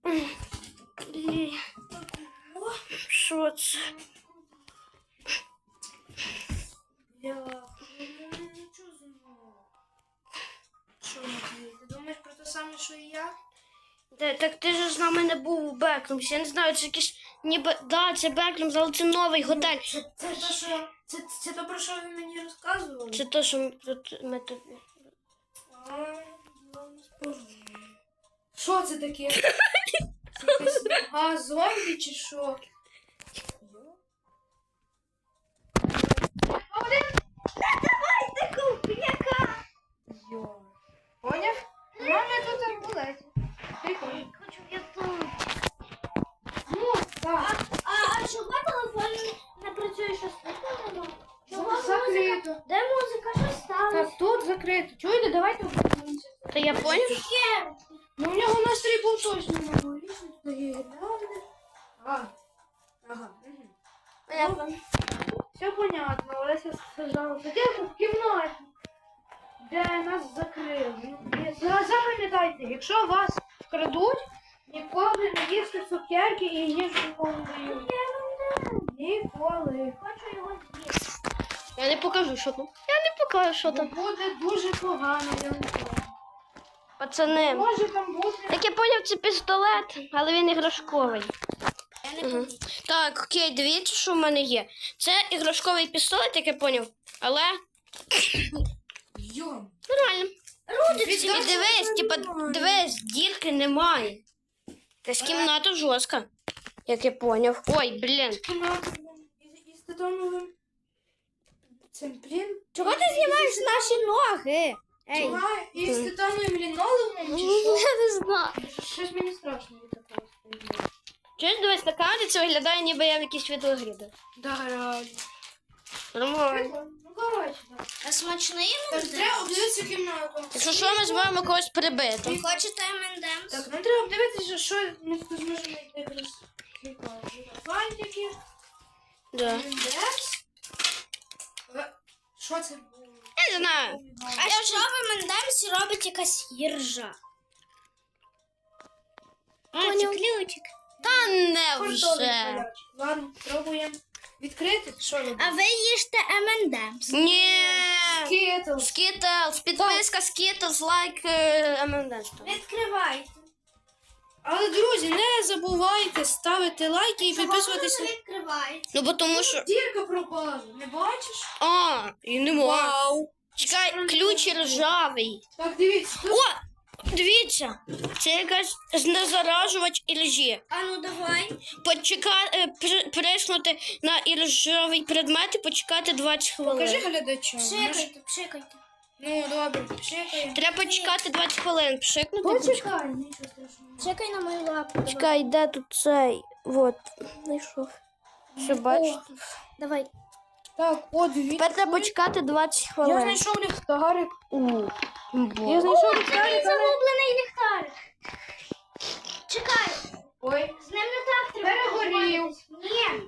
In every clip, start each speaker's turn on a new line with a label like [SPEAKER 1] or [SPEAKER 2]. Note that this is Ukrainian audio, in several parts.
[SPEAKER 1] Що це?
[SPEAKER 2] Що, Матвій, ти думаєш про те саме, що і я?
[SPEAKER 1] Так ти ж з нами не був у Беклумсі. Я не знаю, це якийсь ніби... Да, це Беклумс, але це новий готель.
[SPEAKER 2] Це то, що... Це то, про що ви мені розказували?
[SPEAKER 1] Це то, що ми тобі...
[SPEAKER 2] Що це таке? Це якась нога зомбі чи що?
[SPEAKER 1] Давай, таку п'яка!
[SPEAKER 2] Йо. Поняв? Мама тут амбулеті. Прикольно.
[SPEAKER 1] Хочу я тут.
[SPEAKER 2] Ну, так.
[SPEAKER 1] А чого телефон не працює, що слухало?
[SPEAKER 2] Закрито.
[SPEAKER 1] Де музика? Що сталося?
[SPEAKER 2] Так, тут закрито. Чуєте, давайте обернемося.
[SPEAKER 1] Та я поняв?
[SPEAKER 2] Ну, у нього настрій був точно не був. Ага. Угу. Все понятно. Олеся сказала. Сидіти в кімнаті, де нас закрили. Запам'ятайте, якщо вас вкрадуть, ніколи не їсти цукерки і їжу ніколи не дають. Ніколи.
[SPEAKER 1] Хочу його з'їсти. Я не покажу, що там. Я не покажу, що там.
[SPEAKER 2] Буде дуже погано, я не знаю.
[SPEAKER 1] Пацани,
[SPEAKER 2] Може там бути.
[SPEAKER 1] як я поняв, це пістолет, але він іграшковий. Так, окей, дивіться, що в мене є. Це іграшковий пістолет, як я поняв, але
[SPEAKER 2] Йом.
[SPEAKER 1] нормально.
[SPEAKER 2] Рудиці.
[SPEAKER 1] І дивись, типа, дивись, дірки немає. Якась кімната жорстка, як я поняв. Ой, блін.
[SPEAKER 2] Із титановим цим, блін.
[SPEAKER 1] Чого ти знімаєш наші ноги?
[SPEAKER 2] Із титановим лінолеумом чи що?
[SPEAKER 1] Я не знаю.
[SPEAKER 2] Щось мені страшно від такого стоїть.
[SPEAKER 1] Чуєш, дивись, на камері це виглядає, ніби я в якійсь відеогрі.
[SPEAKER 2] Да, реально.
[SPEAKER 1] Нормально.
[SPEAKER 2] Ну, коротше, так.
[SPEAKER 3] А смачний
[SPEAKER 2] Так,
[SPEAKER 3] МНД?
[SPEAKER 2] треба обдивитися кімнату.
[SPEAKER 1] Якщо що, ми зможемо когось прибити.
[SPEAKER 3] Ви хочете МНД?
[SPEAKER 2] Так, нам треба обдивитися, що ми тут зможемо знайти якраз. Фантики.
[SPEAKER 1] Да.
[SPEAKER 2] Індекс. Що це було?
[SPEAKER 1] Я не знаю.
[SPEAKER 3] А що в МНД робить якась їржа?
[SPEAKER 1] А, це
[SPEAKER 3] ключик.
[SPEAKER 1] Та не
[SPEAKER 2] Фантовий
[SPEAKER 1] вже.
[SPEAKER 2] палач. Ладно, пробуємо відкрити. Що робити?
[SPEAKER 3] А ви їжте МНД?
[SPEAKER 1] Ні.
[SPEAKER 2] Скітлс.
[SPEAKER 1] Скітлс, підписка Скітлс, лайк ММД.
[SPEAKER 3] Відкривайте.
[SPEAKER 2] Але, друзі, не забувайте ставити лайки і підписуватися.
[SPEAKER 3] Відкривайте.
[SPEAKER 1] Ну, бо тому що...
[SPEAKER 2] Дірка пропала, не бачиш?
[SPEAKER 1] А, і нема. Вау. Чекай, ключ ржавий.
[SPEAKER 2] Так, дивіться. Тут...
[SPEAKER 1] О, дивіться. Це якась знезаражувач іржі.
[SPEAKER 3] А ну давай.
[SPEAKER 1] Приснути на іржавий предмет і почекати 20
[SPEAKER 2] Покажи
[SPEAKER 1] хвилин.
[SPEAKER 2] глядачам.
[SPEAKER 3] Пшикайте, пшикайте.
[SPEAKER 2] Ну, добре, пшикаємо.
[SPEAKER 1] Треба почекати 20 хвилин. Пшикнути.
[SPEAKER 2] Почекай, нічого страшного.
[SPEAKER 3] Пшикай на мою лапу.
[SPEAKER 1] Чекай, де тут цей? Вот, знайшов. Що бачите?
[SPEAKER 3] Давай.
[SPEAKER 2] Так, о, дивіться.
[SPEAKER 1] Тепер треба почекати 20
[SPEAKER 2] Я
[SPEAKER 1] хвилин.
[SPEAKER 2] знайшов ліхтарик.
[SPEAKER 1] Бо.
[SPEAKER 2] Я знайшов ліхтарик, але...
[SPEAKER 3] Загублений ліхтарик. Чекай.
[SPEAKER 2] Ой,
[SPEAKER 3] З ним не так треба.
[SPEAKER 2] перегорів.
[SPEAKER 3] Ні.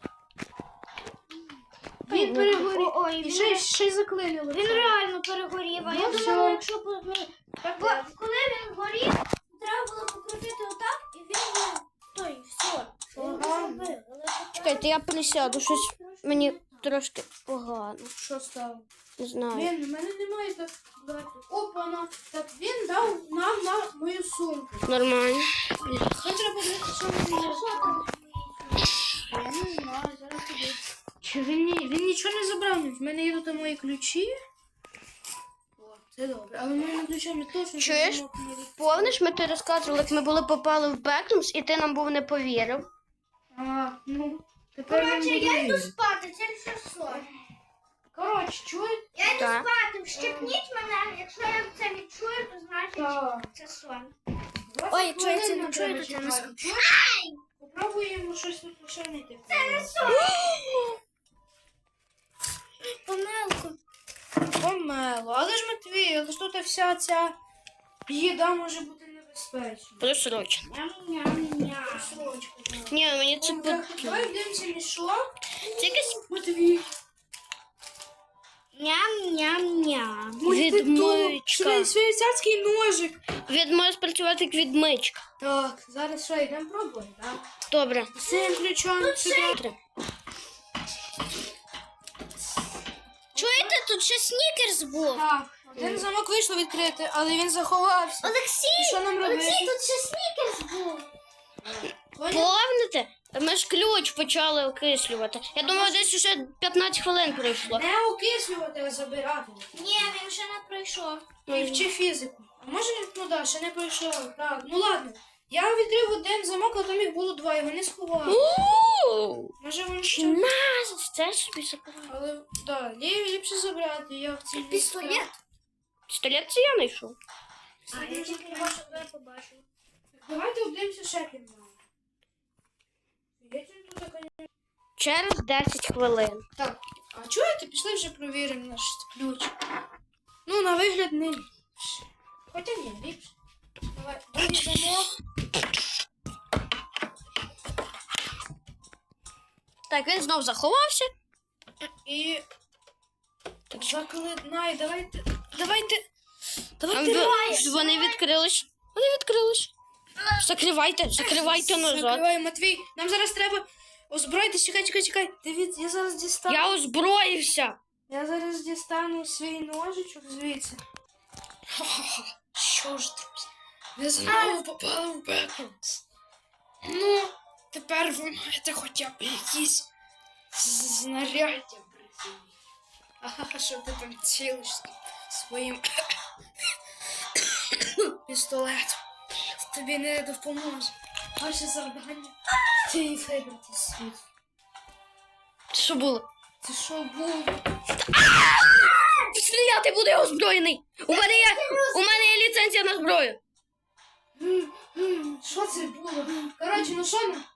[SPEAKER 2] Він перегорів.
[SPEAKER 3] Ой,
[SPEAKER 2] І ще й заклинило.
[SPEAKER 3] Він реально перегорів. А я
[SPEAKER 2] Ну,
[SPEAKER 3] думала,
[SPEAKER 2] все.
[SPEAKER 3] якщо коли він горів, треба було покрутити отак, і він той, все. Він
[SPEAKER 2] Ага.
[SPEAKER 3] зробив.
[SPEAKER 1] Чекайте, я присяду, щось мені трошки погано.
[SPEAKER 2] Що стало?
[SPEAKER 1] Не знаю.
[SPEAKER 2] Він, у мене немає так багато. Опана. Так, він дав нам на мою сумку.
[SPEAKER 1] Нормально.
[SPEAKER 2] Що треба подивитися, що він є? Я не знаю, зараз тобі. Чи він нічого не забрав? В мене є тут мої ключі. О, це добре. Але моїми ключами точно
[SPEAKER 1] Чуєш?
[SPEAKER 2] замок не від-
[SPEAKER 1] Помниш, ми ти розказували, як ми попали в Беклумс, і ти нам був не повірив.
[SPEAKER 2] А, ну, тепер він
[SPEAKER 3] Коротше,
[SPEAKER 2] буде
[SPEAKER 3] я йду
[SPEAKER 2] вірити.
[SPEAKER 3] спати, це все сон.
[SPEAKER 2] Коротше, чуєте?
[SPEAKER 3] Я йду
[SPEAKER 1] Так.
[SPEAKER 3] спати, вщипніть мене. Якщо я це відчую, то значить
[SPEAKER 2] Так.
[SPEAKER 3] це сон.
[SPEAKER 2] Ой,
[SPEAKER 3] якщо я це не чую, то це не сон.
[SPEAKER 2] Попробуємо щось тут пошарнити.
[SPEAKER 3] Це не сон. Помилку.
[SPEAKER 2] Помело. Але ж Матвій, але ж тут вся ця їда може бути небезпечна.
[SPEAKER 1] Просрочено.
[SPEAKER 3] Ням-ням-ням.
[SPEAKER 2] Срочку.
[SPEAKER 1] Ні, мені це
[SPEAKER 2] Так, давай дивимося мішок.
[SPEAKER 1] Це якесь...
[SPEAKER 2] Матвій.
[SPEAKER 3] Ням-ням-ням.
[SPEAKER 1] Відмичка.
[SPEAKER 2] Швейцарський ножик.
[SPEAKER 1] Він може спрацювати як відмичка.
[SPEAKER 2] Так, зараз що, йдемо пробуємо, так?
[SPEAKER 1] Добре.
[SPEAKER 2] З цим ключом сюди.
[SPEAKER 3] Чуєте, тут ще снікерс був.
[SPEAKER 2] Так, один замок вийшло відкрити, але він заховався.
[SPEAKER 3] Олексій,
[SPEAKER 2] І що нам робити?
[SPEAKER 3] Олексій, тут ще снікерс був.
[SPEAKER 1] Помните? Ми ж ключ почали окислювати. Я думаю, десь уже 15 хвилин пройшло.
[SPEAKER 2] Не окислювати, а забирати.
[SPEAKER 3] Ні, він ще не пройшов.
[SPEAKER 2] І вчи фізику. А може, ну да, ще не пройшов. Так, ну ладно. Я відкрив один замок, а там їх було два, його не сховав.
[SPEAKER 1] У-у-у!
[SPEAKER 2] Може він ще.
[SPEAKER 1] Нас! Це собі забрав.
[SPEAKER 2] Але, да, ліпше забрати, я в цій
[SPEAKER 3] Пістолет?
[SPEAKER 1] Пістолет це я знайшов.
[SPEAKER 3] А я тільки його себе побачив.
[SPEAKER 2] Давайте обдивимося ще кімнату. Я тут така.
[SPEAKER 1] Через 10 хвилин.
[SPEAKER 2] Так, а чуєте, пішли вже провіримо наш ключ. Ну, на вигляд не ліпше. Хоча ні, ліпше. Давай, другий замок.
[SPEAKER 1] Так, він знов заховався.
[SPEAKER 2] І
[SPEAKER 1] Так,
[SPEAKER 2] заклинай, давайте.
[SPEAKER 1] А
[SPEAKER 2] Давайте.
[SPEAKER 1] вони відкрились. Вони відкрились. Закривайте назад.
[SPEAKER 2] Закривай, Матвій. Нам зараз треба озброїтись. Чекай. Дивіться, я зараз дістану.
[SPEAKER 1] Я озброївся.
[SPEAKER 2] Я зараз дістану свій ножичок звідси. Що ж, друзі? Ви знову попали в Беконс. Ну, тепер ви маєте хоча б якісь знаряддя при собі. Ага, що ти там цілиш своїм пістолетом. Тобі не допоможе. Ваше завдання – ти вибрати світ.
[SPEAKER 1] Що було?
[SPEAKER 2] Це що було?
[SPEAKER 1] Стріляти буде озброєний. У мене є ліцензія на зброю.
[SPEAKER 2] Що це було? Коротше, ну що нам?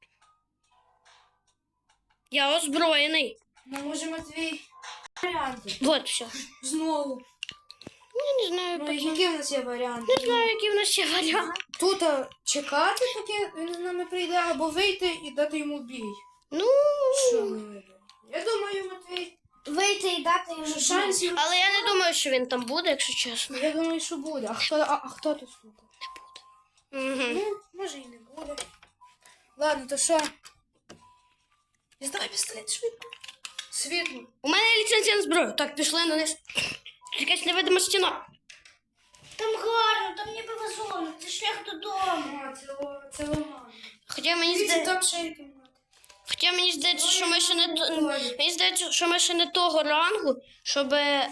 [SPEAKER 1] Я озброєний.
[SPEAKER 2] Ну, може, Матвій, варіанти.
[SPEAKER 1] Вот все.
[SPEAKER 2] Знову.
[SPEAKER 1] Я не знаю,
[SPEAKER 2] Ну, які в нас є варіанти?
[SPEAKER 1] не знаю, які в нас ще варіанти.
[SPEAKER 2] Тут чекати, поки він з нами прийде, або вийти і дати йому бій.
[SPEAKER 1] Ну,
[SPEAKER 2] Що ми виберемо? Я думаю, Матвій,
[SPEAKER 3] Вийти і дати йому
[SPEAKER 2] що шансів.
[SPEAKER 1] але я не думаю, що він там буде, якщо чесно.
[SPEAKER 2] Я думаю, що буде. А хто тут слухає?
[SPEAKER 1] Угу.
[SPEAKER 2] Ну, може і не буде. Ладно, то що? Діставай пістолет швидко. Світло.
[SPEAKER 1] У мене є ліцензія на зброю. Так, пішли на низ. Якась невидима стіна.
[SPEAKER 3] Там гарно, там ніби вазон, це шлях додому.
[SPEAKER 2] А, це ламано.
[SPEAKER 1] Хоча мені
[SPEAKER 2] Дивіться,
[SPEAKER 1] здається,
[SPEAKER 2] там ще є кімната.
[SPEAKER 1] що ми ще не мені здається, що ми ще не того рангу, щоб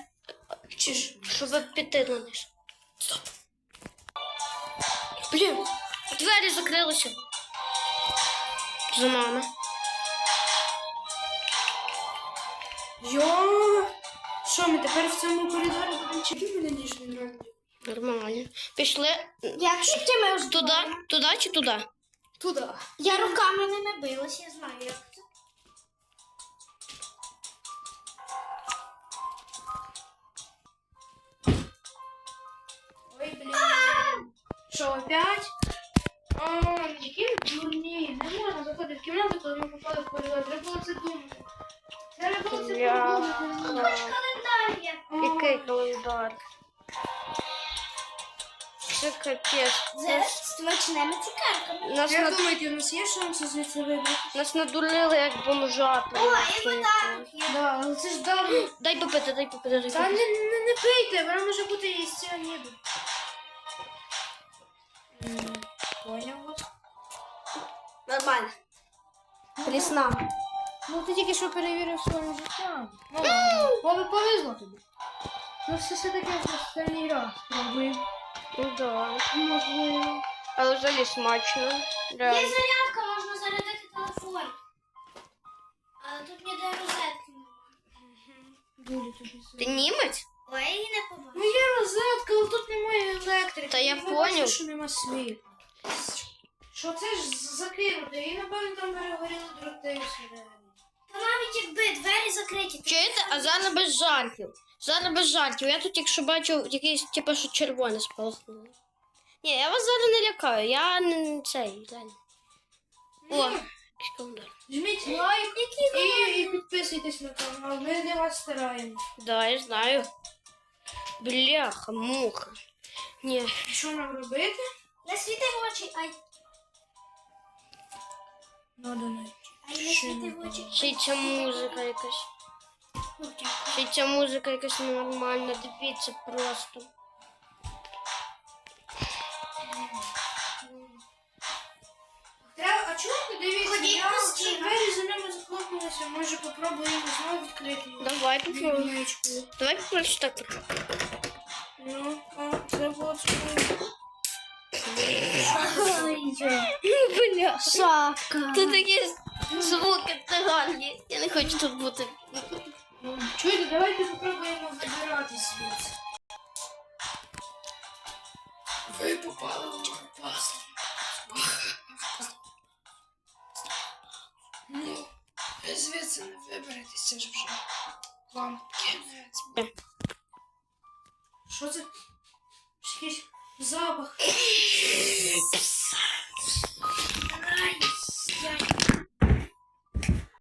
[SPEAKER 1] піти на низ. Стоп. Блін, двері закрилися. За нами.
[SPEAKER 2] Йо! Що, ми тепер в цьому коридорі будемо чекати мене ніжний ранок?
[SPEAKER 1] Нормально. Пішли
[SPEAKER 3] Як тільки ми озброєні.
[SPEAKER 1] туди чи туди?
[SPEAKER 2] Туди.
[SPEAKER 3] Я руками не набилась, я знаю, як це.
[SPEAKER 2] Ой, блін. Що, опять? Які ви дурні. Не можна заходити в кімнату, коли ми попали в коридор. Треба було це думати. Треба було це подумати.
[SPEAKER 3] Календар є.
[SPEAKER 1] Який календар? Це капець.
[SPEAKER 3] З смачними цукерками.
[SPEAKER 1] Нас,
[SPEAKER 2] Як думаєте, у нас є шанси звідси вибрати?
[SPEAKER 1] нас надурили як бомжа.
[SPEAKER 3] О, і вода є.
[SPEAKER 2] Да, але це ж давно.
[SPEAKER 1] Дай попити, дай попити.
[SPEAKER 2] Та не пийте, вона може бути і з ціаніду. Поняв.
[SPEAKER 1] Нормально. Прісна.
[SPEAKER 2] Ну ти тільки що перевірив своїм життям. Ну ладно, повезло тобі. Ну все таки останній раз пробуємо.
[SPEAKER 1] Ну да.
[SPEAKER 2] Можливо.
[SPEAKER 1] Але взагалі смачно.
[SPEAKER 3] Є
[SPEAKER 1] Реально.
[SPEAKER 3] зарядка, можна зарядити телефон. Але тут ніде розетки немає.
[SPEAKER 2] Дуже тобі
[SPEAKER 1] Ти німець?
[SPEAKER 3] Ой, я її не побачила.
[SPEAKER 2] Ну є розетка, але тут немає електрики.
[SPEAKER 1] Та я
[SPEAKER 2] Ви
[SPEAKER 1] поняв.
[SPEAKER 2] бачите, що нема світла. Що це ж закинути? І напевно там перегоріли дроти всередині.
[SPEAKER 3] Та навіть якби двері закриті.
[SPEAKER 1] Чуєте? А зараз без жартів. Зараз без жартів. Я тут якщо бачу якийсь, типу, що червоне спалахнуло. Ні, я вас зараз не лякаю. Я не цей, глянь. О,
[SPEAKER 2] Жміть лайк і підписуйтесь на канал. Ми для вас стараємось.
[SPEAKER 1] Да, я знаю. Бляха, муха. Ні.
[SPEAKER 2] Що нам робити?
[SPEAKER 3] Не світи в очі, ай.
[SPEAKER 2] Надо знайти.
[SPEAKER 3] Ай, не світи в очі.
[SPEAKER 1] Ще й ця музика якась.
[SPEAKER 3] Ну, дякую.
[SPEAKER 1] Ще й ця музика якась ненормальна. Дивіться просто.
[SPEAKER 2] Треба, а чому ти дивіться?
[SPEAKER 3] Ходіть
[SPEAKER 2] Я
[SPEAKER 3] постійно.
[SPEAKER 2] двері за ними захлопнулися. Може попробуємо знову відкрити їх.
[SPEAKER 1] Давай попробуємо.
[SPEAKER 2] Вікничку.
[SPEAKER 1] Давай просто так.
[SPEAKER 2] Ну, а це було цікаво.
[SPEAKER 1] Бля.
[SPEAKER 3] Шапка.
[SPEAKER 1] Тут такі звуки циганні. Я не хочу тут бути.
[SPEAKER 2] Чуєте, давайте попробуємо вибирати звідси. Ви попали в опасну. Ну, ви звідси не виберетеся ж вже. Вам кінець. Що це? Якийсь запах.